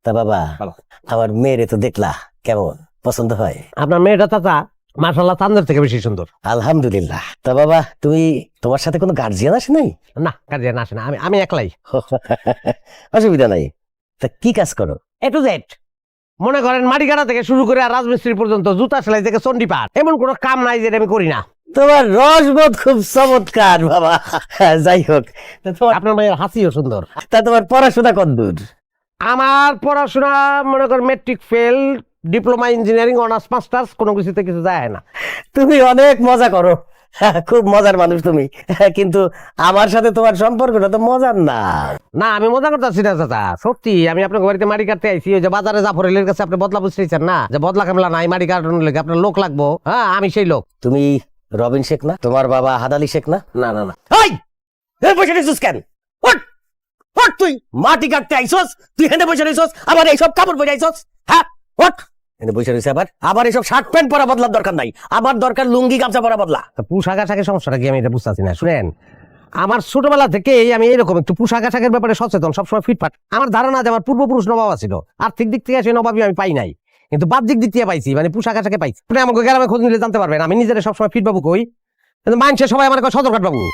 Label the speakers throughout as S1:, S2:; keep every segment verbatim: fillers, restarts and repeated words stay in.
S1: তা বাবা
S2: ভালো।
S1: আমার মেয়েরে তো দেখলা কেমন পছন্দ হয়?
S2: আপনার মেয়েটা চাচা মাশাআল্লাহ চাঁদের থেকে বেশি সুন্দর।
S1: আলহামদুলিল্লাহ। তা বাবা তুমি তোমার সাথে কোনো গার্জিয়ান আসে নাই?
S2: না গার্জিয়ান আসে না, আমি আমি একলাই।
S1: অসুবিধা নাই। তা কি কাজ করো?
S2: এ টু জেড মনে করেন মাটি কাটা থেকে শুরু করে আর রাজমিস্ত্রি পর্যন্ত, জুতা সেলাই থেকে চণ্ডীপাঠ, এমন কোনো কাম নাই যেটা আমি করি না।
S1: তোমার রসবোধ খুব চমৎকার বাবা। যাই হোক, তা তোমার
S2: আপনার মেয়ের হাসিও সুন্দর।
S1: তা তোমার পড়াশোনা কতদূর?
S2: আমার পড়াশোনা মনে করেন matric fail, diploma engineering, honours masters, কোনো কিছুতে কিছু যায় না।
S1: তুমি অনেক মজা করো, খুব মজার মানুষ তুমি, কিন্তু আমার সাথে তোমার সম্পর্কটা তো মজার না।
S2: না আমি মজা করতেছি না চাচা, সত্যি আমি আপনার বাড়িতে মাটি কাটতে আইছি। ওই যে বাজারে জাফরের কাছে আপনি বদলা বুঝতেছেন না, যে বদলা কামলা নাই, মাটি কাটানোর লেগে আপনার লোক লাগবো। হ্যাঁ আমি সেই লোক।
S1: তুমি রবিন শেখ না? তোমার বাবা হাদালি শেখ না?
S2: না না না
S1: এই এই বসে রইছিস কেন? ওঠ ওঠ, তুই মাটি কাটতে আইছস, তুই হেঁটে বসে রইছস, আবার এইসব কাপড় পরে আইছস। হ্যাঁ ওঠ, হেঁটে বসে রইছে আবার আবার এইসব শার্ট প্যান্ট পরা বদলার দরকার নাই, আমার দরকার লুঙ্গি গামছা পরা বদলা।
S2: তা পোশাক আশাকের সমস্যাটা কি আমি এটা বুঝতেছি না। শুনেন, আমার ছোটবেলা থেকেই আমি এইরকম একটু পোশাক আশাকের ব্যাপারে সচেতন, সবসময় ফিটফাট। আমার ধারণা যে আমার পূর্বপুরুষ নবাব ছিল, আর্থিক দিক থেকে সেই নবাবই আমি পাই নাই, কিন্তু বাহ্যিক দিক থেকে পাইছি, মানে পোশাক আশাকে পাইছি। আপনি আমাকে গ্রামে খোঁজ নিলে জানতে পারবেন আমি নিজের সবসময় ফিট বাবু কই, কিন্তু মানুষের সবাই আমার কয় সদরঘাট বাবু।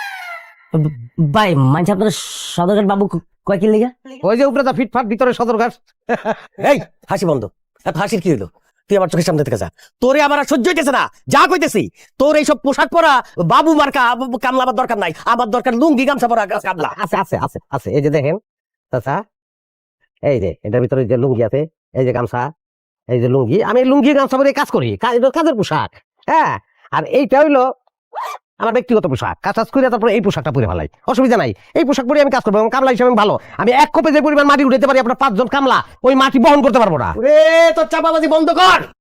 S3: ভাই মানছি আপনার সদরঘাট বাবু কয় কি লেগা?
S2: ওই যে উপরে যা ফিটফাট, ভিতরে সদরঘাট।
S1: এই হাসি বন্ধ। এত হাসির কি হইলো? তুই আমার চোখের সামনে থেকে যা, তোরে আমার আর সহ্য হইতেছে না। যা কইতেছি, তোর এইসব পোশাক পরা বাবু মার্কা কামলা আমার দরকার নাই, আমার দরকার লুঙ্গি গামছা পরা কামলা।
S2: আছে আছে আছে আছে এই যে দেখেন চাচা, এই যে এটার ভিতরে যে লুঙ্গি আছে, এই যে গামছা, এই যে লুঙ্গি, আমি এই লুঙ্গি গামছা পরে কাজ করি, কা- এটা কাজের পোশাক। হ্যাঁ, আর এইটা হইলো আমার ব্যক্তিগত পোশাক। কাজ টাজ করে তারপরে এই পোশাকটা পরে ফেলাই, অসুবিধা নাই। এই পোশাক পরে আমি কাজ করবো এবং কামলা হিসেবে আমি ভালো। আমি এক কোপে যে পরিমাণ মাটি উঠাতে পারি, আপনার পাঁচজন কামলা ওই মাটি বহন করতে পারবো না।
S1: রে তোর চাপাবাজি বন্ধ কর।